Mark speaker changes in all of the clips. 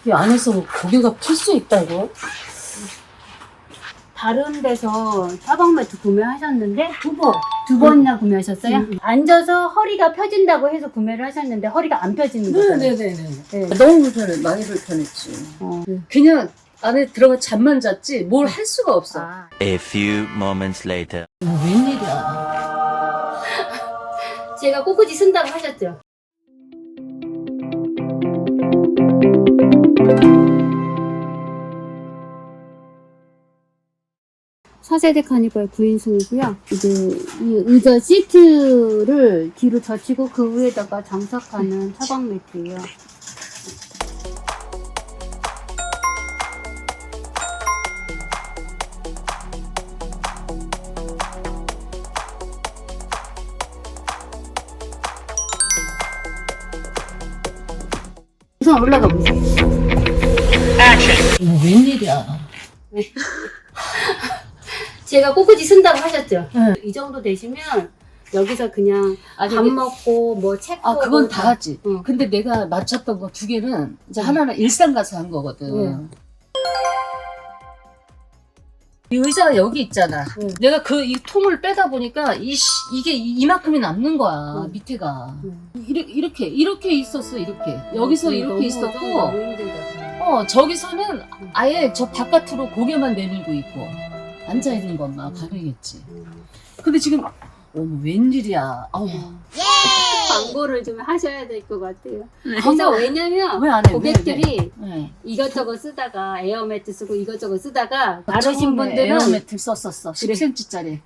Speaker 1: 이 안에서 고개가 필 수 있다고?
Speaker 2: 다른 데서 사방 매트 구매하셨는데 두 번이나 구매하셨어요? 앉아서 허리가 펴진다고 해서 구매를 하셨는데 허리가 안 펴지는 거잖아요.
Speaker 1: 네네네.
Speaker 2: 네.
Speaker 1: 너무 불편해. 많이 불편했지. 그냥 안에 들어가 잠만 잤지 뭘 할 수가 없어.
Speaker 2: 아.
Speaker 3: A few moments later.
Speaker 1: 웬일이야.
Speaker 2: 제가 꼬꾸지 쓴다고 하셨죠? 차세대 카니발 9인승이고요. 이제 이 의자 시트를 뒤로 젖히고 그 위에다가 장착하는 차박 매트예요. 우선 올라가 보세요.
Speaker 1: 웬일이야.
Speaker 2: 제가 꼬꾸지 쓴다고 하셨죠?
Speaker 1: 네.
Speaker 2: 이 정도 되시면 여기서 그냥 밥
Speaker 1: 저기-
Speaker 2: 먹고 뭐 책 보고
Speaker 1: 그건 다 하지.
Speaker 2: 응.
Speaker 1: 근데 내가 맞췄던 거 2개는 이제 하나는 일산 가서 한 거거든.
Speaker 2: 응.
Speaker 1: 이 의자가 여기 있잖아.
Speaker 2: 응.
Speaker 1: 내가 이 통을 빼다 보니까 이게 이만큼이 남는 거야.
Speaker 2: 응.
Speaker 1: 밑에가.
Speaker 2: 응.
Speaker 1: 이렇게 있었어. 이렇게. 여기서 이렇게
Speaker 2: 너무
Speaker 1: 있었고,
Speaker 2: 너무 힘들다.
Speaker 1: 저기서는 아예 저 바깥으로 고개만 내밀고 있고 앉아 있는 것만 가능했지. 근데 지금 어머 웬일이야. 아우.
Speaker 2: 광고를 좀 하셔야 될 것 같아요. 그래서
Speaker 1: 광고
Speaker 2: 왜냐면
Speaker 1: 왜 안 해?
Speaker 2: 고객들이
Speaker 1: 네.
Speaker 2: 이것저것 쓰다가 에어매트 쓰고 이것저것 쓰다가
Speaker 1: 처음에
Speaker 2: 다루신 분들은
Speaker 1: 에어매트 썼었어.
Speaker 2: 그래.
Speaker 1: 10cm짜리.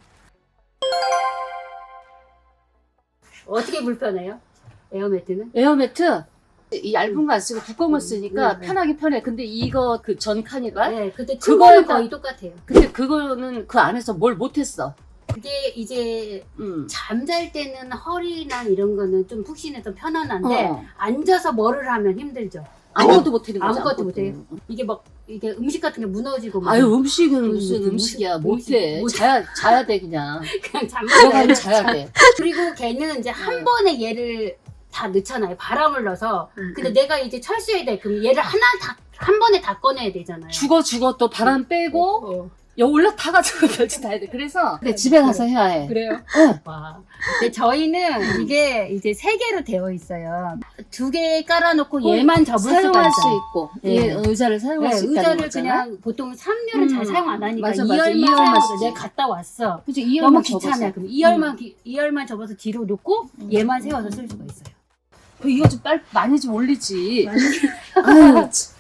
Speaker 2: 어떻게 불편해요? 에어매트는?
Speaker 1: 에어매트 이 얇은 거 안 쓰고 두꺼운 거 쓰니까
Speaker 2: 네.
Speaker 1: 편하긴 편해. 근데 이거 그 전 카니발?
Speaker 2: 네, 근데
Speaker 1: 그거에
Speaker 2: 그거는 거의 똑같아요.
Speaker 1: 근데 그거는 그 안에서 뭘 못했어.
Speaker 2: 그게 이제
Speaker 1: 응.
Speaker 2: 잠잘 때는 허리나 이런 거는 좀 푹신해서 편안한데
Speaker 1: 어.
Speaker 2: 앉아서 뭐를 하면 힘들죠.
Speaker 1: 아무것도 못하는 거지.
Speaker 2: 아무것도 못해요. 이게 막 이게 음식 같은 게 무너지고 막
Speaker 1: 아유 음식은
Speaker 2: 음,
Speaker 1: 무슨 음식이야.
Speaker 2: 음식,
Speaker 1: 못해.
Speaker 2: 못-
Speaker 1: 자야 돼 그냥.
Speaker 2: 그냥
Speaker 1: 들어가면
Speaker 2: 잠만
Speaker 1: 자야 돼.
Speaker 2: 그리고 걔는 이제 한
Speaker 1: 네.
Speaker 2: 번에 얘를 다 넣잖아요. 바람을 넣어서.
Speaker 1: 음,
Speaker 2: 근데 내가 이제 철수해야 돼. 그럼 얘를 한 번에 다 꺼내야 되잖아요.
Speaker 1: 죽어 또 바람 빼고
Speaker 2: 어.
Speaker 1: 올라타가지고 별짓 다 해야 돼. 그래서 근데 집에 가서 해야 해.
Speaker 2: 그래요?
Speaker 1: 어.
Speaker 2: 와. 근데 저희는 이게 이제 3개로 되어 있어요. 2개 깔아놓고 얘만 접을 수가
Speaker 1: 사용할
Speaker 2: 있어요.
Speaker 1: 수 있고
Speaker 2: 네.
Speaker 1: 얘 의자를 사용할
Speaker 2: 네,
Speaker 1: 수 있다는
Speaker 2: 의자를
Speaker 1: 거잖아.
Speaker 2: 그냥 보통 3열은 잘 사용 안 하니까
Speaker 1: 맞아,
Speaker 2: 2열만
Speaker 1: 2열만
Speaker 2: 사용해서
Speaker 1: 쓰지.
Speaker 2: 내가 갔다 왔어.
Speaker 1: 그치, 이
Speaker 2: 너무
Speaker 1: 열만
Speaker 2: 귀찮아요.
Speaker 1: 접어서.
Speaker 2: 그럼 2열만 접어서 뒤로 놓고 얘만 세워서 쓸 수가 있어요.
Speaker 1: 이거 좀 많이 좀 올리지. 아유, 참.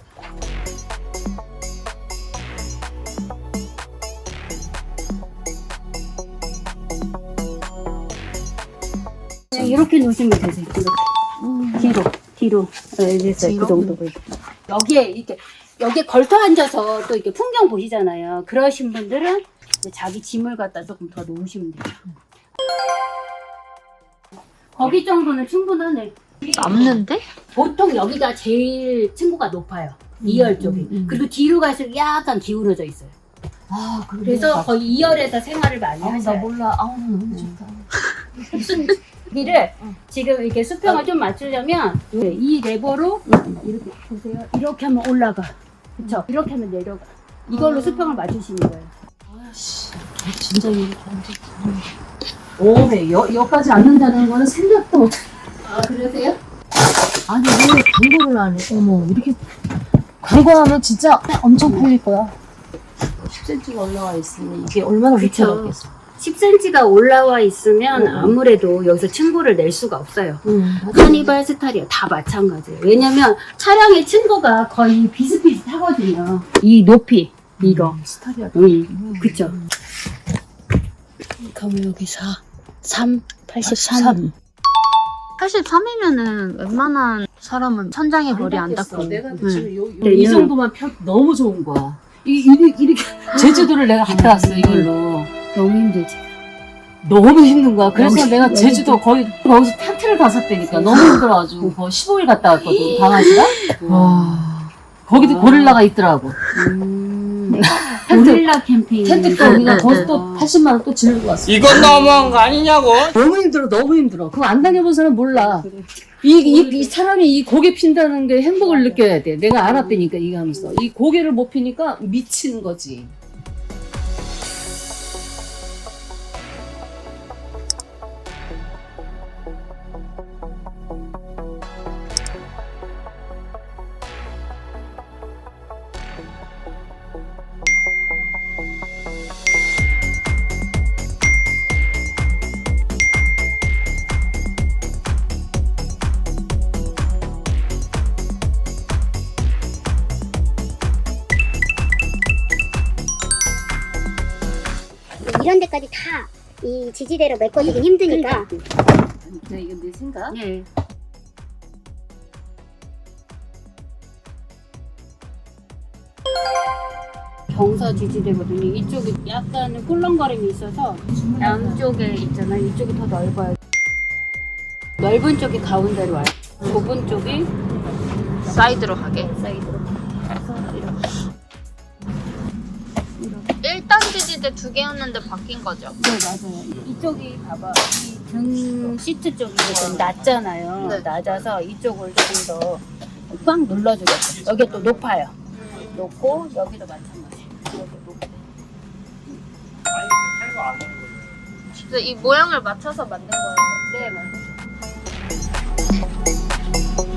Speaker 2: 그냥 이렇게 놓으시면 되세요. 뒤로. 네, 됐어요.
Speaker 1: 뒤로?
Speaker 2: 그 정도. 여기에 걸터 앉아서 또 이렇게 풍경 보시잖아요. 그러신 분들은 이제 자기 짐을 갖다 조금 더 놓으시면 돼요. 거기 정도는 충분하네.
Speaker 4: 남는데?
Speaker 2: 보통 여기가 제일 층고가 높아요. 2열 쪽이. 그리고 뒤로 갈수록 약간 기울어져 있어요.
Speaker 1: 아,
Speaker 2: 그래서 거의 2열에서 생활을 많이
Speaker 1: 나
Speaker 2: 하셔요.
Speaker 1: 몰라. 아우, 너무 좋다.
Speaker 2: 여기를 지금 이렇게 수평을 좀 맞추려면 이 레버로 이렇게 보세요. 이렇게 하면 올라가. 그쵸? 이렇게 하면 내려가. 이걸로 수평을 맞추시는 거예요.
Speaker 1: 아씨, 진짜 이렇게 앉았어. 네, 여기까지 앉는다는 거는 생각도 못.
Speaker 2: 아, 그러세요?
Speaker 1: 아니, 왜 광고를 안 해? 어머, 이렇게. 광고하면 진짜 엄청 팔릴 거야. 10cm가 올라와 있으니 이게 얼마나
Speaker 2: 그쵸.
Speaker 1: 위태롭겠어.
Speaker 2: 10cm가 올라와 있으면 아무래도 여기서 층고를 낼 수가 없어요.
Speaker 1: 맞아.
Speaker 2: 카니발 스타일이야. 다 마찬가지예요. 왜냐면 차량의 층고가 거의 비슷비슷하거든요. 이 높이, 이거.
Speaker 1: 스타일이야.
Speaker 2: 그쵸. 그럼 여기 3, 83.
Speaker 4: 83이면은 웬만한 사람은 천장에 머리 안 닿고.
Speaker 1: 내가
Speaker 4: 응.
Speaker 1: 지금
Speaker 2: 네,
Speaker 1: 이 정도만 너무 좋은 거야. 이렇게 제주도를 내가 갔다 왔어 이걸로.
Speaker 2: 너무 힘들지.
Speaker 1: 너무 힘든 거야. 그래서
Speaker 2: 너무
Speaker 1: 내가
Speaker 2: 힘들어.
Speaker 1: 제주도 거기서 텐트를 다 샀다니까. 너무 힘들어가지고 거의 15일 갔다 왔거든 강아지가. 와. 거기도 고릴라가 있더라고.
Speaker 2: 고릴라 캠페인.
Speaker 1: 텐트 또 우리가 거기서 또 80만 원 또 지르고 왔어.
Speaker 5: 이건 너무한 거 아니냐고.
Speaker 1: 너무 힘들어, 너무 힘들어. 그거 안 다녀본 사람 몰라. 이 사람이 이 고개 핀다는 게 행복을 느껴야 돼. 내가 알았다니까, 이거 하면서. 이 고개를 못 피니까 미치는 거지.
Speaker 6: 이런 데까지 다 이 지지대로 메꿔주긴 힘드니까.
Speaker 1: 네, 이건 내 생각.
Speaker 2: 네. 경사 지지대거든요. 이쪽이 약간 꿀렁거림이 있어서 양쪽에 있잖아요. 이쪽이 더 넓어요. 넓은 쪽이 가운데로 와요. 좁은 쪽이
Speaker 4: 사이드로 가게.
Speaker 2: 사이드로 가서 이렇게.
Speaker 4: 1단 지지대 2개였는데 바뀐 거죠?
Speaker 2: 네, 맞아요. 이쪽이 봐봐. 이 등 시트 쪽이 좀 낮잖아요.
Speaker 4: 네.
Speaker 2: 낮아서 이쪽을 조금 더 꽉 눌러주겠어요. 여기 또 높아요. 높고 여기도 마찬가지. 여기 높고.
Speaker 4: 그래서 이 모양을 맞춰서 만든 거예요.
Speaker 2: 네, 맞아요.